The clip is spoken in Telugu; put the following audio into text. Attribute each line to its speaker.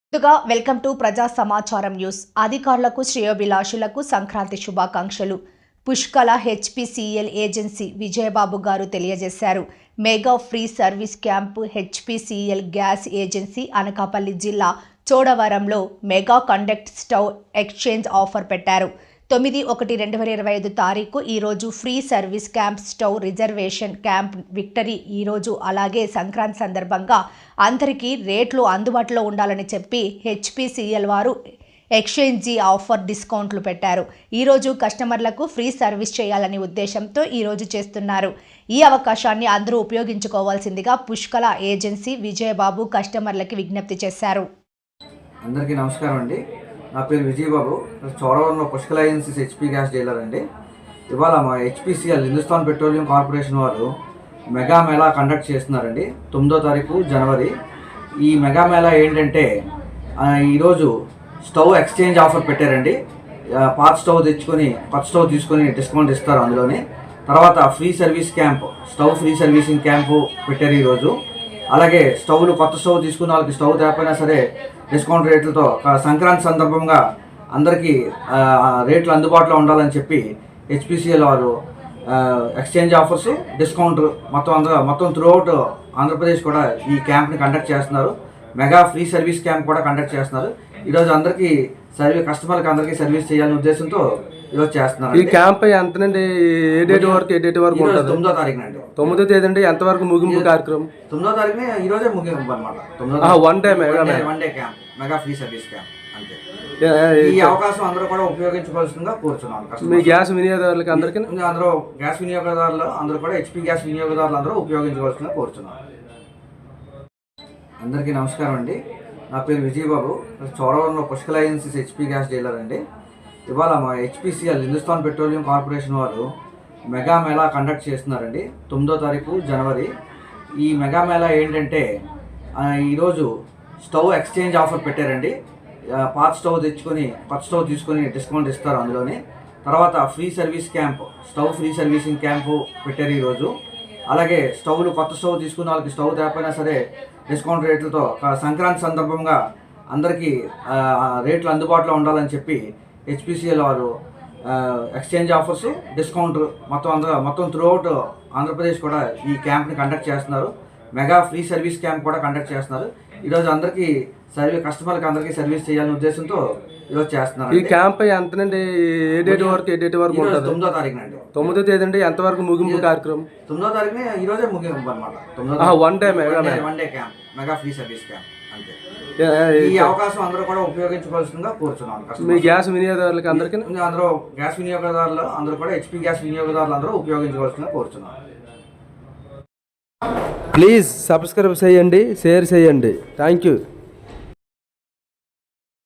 Speaker 1: ముందుగా వెల్కమ్ టు ప్రజా సమాచారం న్యూస్. అధికారులకు శ్రేయోభిలాషులకు సంక్రాంతి శుభాకాంక్షలు. పుష్కల హెచ్పిసిఎల్ ఏజెన్సీ విజయబాబు గారు తెలియజేశారు. Mega free service camp HPCL gas agency Anakapalli జిల్లా చోడవరంలో mega conduct stove exchange offer పెట్టారు. 9/1/2025 తారీఖు ఈరోజు free service camp stove reservation camp victory ఈరోజు అలాగే సంక్రాంతి సందర్భంగా అందరికీ రేట్లు అందుబాటులో ఉండాలని చెప్పి హెచ్పిసిఎల్ వారు ఎక్స్చేంజీ ఆఫర్ డిస్కౌంట్లు పెట్టారు. ఈరోజు కస్టమర్లకు ఫ్రీ సర్వీస్ చేయాలనే ఉద్దేశంతో ఈరోజు చేస్తున్నారు. ఈ అవకాశాన్ని అందరూ ఉపయోగించుకోవాల్సిందిగా పుష్కల ఏజెన్సీ విజయబాబు కస్టమర్లకి విజ్ఞప్తి చేశారు.
Speaker 2: అందరికీ నమస్కారం అండి. నా పేరు విజయబాబు. చోడవరంలో Pushkala agencies HP gas dealer అండి. ఇవాళ మా హెచ్పిసిఎల్ హిందుస్థాన్ పెట్రోలియం కార్పొరేషన్ వారు మెగా మేళా కండక్ట్ చేస్తున్నారండి. 9వ తారీఖు జనవరి. ఈ మెగా మేళా ఏంటంటే ఈరోజు స్టవ్ ఎక్స్చేంజ్ ఆఫర్ పెట్టారండి. పాత స్టవ్ తెచ్చుకొని కొత్త స్టవ్ తీసుకొని డిస్కౌంట్ ఇస్తారు అందులోనే. తర్వాత free service camp, stove free servicing camp పెట్టారు ఈరోజు. అలాగే స్టవ్లు కొత్త స్టవ్ తీసుకున్న వాళ్ళకి స్టవ్ తేకపోయినా సరే డిస్కౌంట్ రేట్లతో సంక్రాంతి సందర్భంగా అందరికీ రేట్లు అందుబాటులో ఉండాలని చెప్పి హెచ్పిసిఎల్ వారు ఎక్స్చేంజ్ ఆఫర్స్, డిస్కౌంట్ మొత్తం త్రూఅవుట్ ఆంధ్రప్రదేశ్ కూడా ఈ క్యాంప్ని కండక్ట్ చేస్తున్నారు. మెగా ఫ్రీ సర్వీస్ క్యాంప్ కూడా కండక్ట్ చేస్తున్నారు. ఈరోజు అందరికీ కస్టమర్కి అందరికీ సర్వీస్ చేయాలనే ఉద్దేశంతో ఈరోజు చేస్తున్నారు.
Speaker 3: ఈ క్యాంప్ ఎంతనండి? ఏ డేట్ వరకు ఉంటుంది?
Speaker 2: 9వ తారీఖున అండి.
Speaker 3: 9వ తేదీ అంటే ఎంతవరకు ముగింపు కార్యక్రమం?
Speaker 2: 9వ తారీఖున ఈరోజే ముగింపు అనమాట.
Speaker 3: One day
Speaker 2: camp, mega free service camp అంతే. ఈ అవకాశం అందరూ కూడా ఉపయోగించుకోవాల్సిందిగా కోరుచున్నాను.
Speaker 3: మీ గ్యాస్ వినియోగదారులకి అందరికీ
Speaker 2: అందరూ గ్యాస్ వినియోగదారులు అందరూ కూడా హెచ్పి గ్యాస్ వినియోగదారులు అందరూ ఉపయోగించుకోవాల్సిందిగా కోరుచున్నాను. అందరికీ నమస్కారం అండి. నా పేరు విజయబాబు. చోడవరంలో Pushkala agencies HP gas dealer అండి. ఇవాళ మా హెచ్పిసిఎల్ హిందుస్థాన్ పెట్రోలియం కార్పొరేషన్ వారు మెగా మేళా కండక్ట్ చేస్తున్నారండి. 9వ తారీఖు జనవరి. ఈ మెగా మేళా ఏంటంటే ఈరోజు స్టవ్ ఎక్స్చేంజ్ ఆఫర్ పెట్టారండి. పాత స్టవ్ తెచ్చుకొని కొత్త స్టవ్ తీసుకొని డిస్కౌంట్ ఇస్తారు అందులోనే. తర్వాత free service camp, stove free servicing camp పెట్టారు ఈరోజు. అలాగే స్టవ్లు కొత్త స్టవ్ తీసుకున్న వాళ్ళకి స్టవ్ తేకపోయినా సరే డిస్కౌంట్ రేట్లతో సంక్రాంతి సందర్భంగా అందరికీ రేట్లు అందుబాటులో ఉండాలని చెప్పి హెచ్పిసిఎల్ వారు ఎక్స్చేంజ్ ఆఫర్స్, డిస్కౌంట్ మొత్తం త్రూఅవుట్ ఆంధ్రప్రదేశ్ కూడా ఈ క్యాంప్ని కండక్ట్ చేస్తున్నారు. మెగా ఫ్రీ సర్వీస్ క్యాంప్ కూడా కండక్ట్ చేస్తున్నారు. ఈరోజు అందరికీ కస్టమర్కి అందరికీ సర్వీస్ చేయాలనే ఉద్దేశంతో ఈరోజు చేస్తున్నారు.
Speaker 3: ఈ క్యాంప్ ఎంతనండి? ఏ డేట్ వరకు ఉంటుంది?
Speaker 2: 9వ తారీఖున అండి.
Speaker 3: 9వ తేదీ అంటే ఎంతవరకు ముగింపు కార్యక్రమం?
Speaker 2: 9వ తారీఖున ఈరోజే ముగింపు అనమాట.
Speaker 3: One day
Speaker 2: camp, mega free service camp అంతే. ఈ అవకాశం అందరూ కూడా ఉపయోగించుకోవాల్సిందిగా కోరుచున్నాను.
Speaker 3: మీ గ్యాస్ వినియోగదారులకి అందరికీ
Speaker 2: అందరూ గ్యాస్ వినియోగదారులు అందరూ కూడా హెచ్పి గ్యాస్ వినియోగదారులు అందరూ ఉపయోగించుకోవాల్సిందిగా కోరుచున్నాను.
Speaker 3: ప్లీజ్ సబ్స్క్రైబ్ చేయండి, షేర్ చేయండి. Thank you.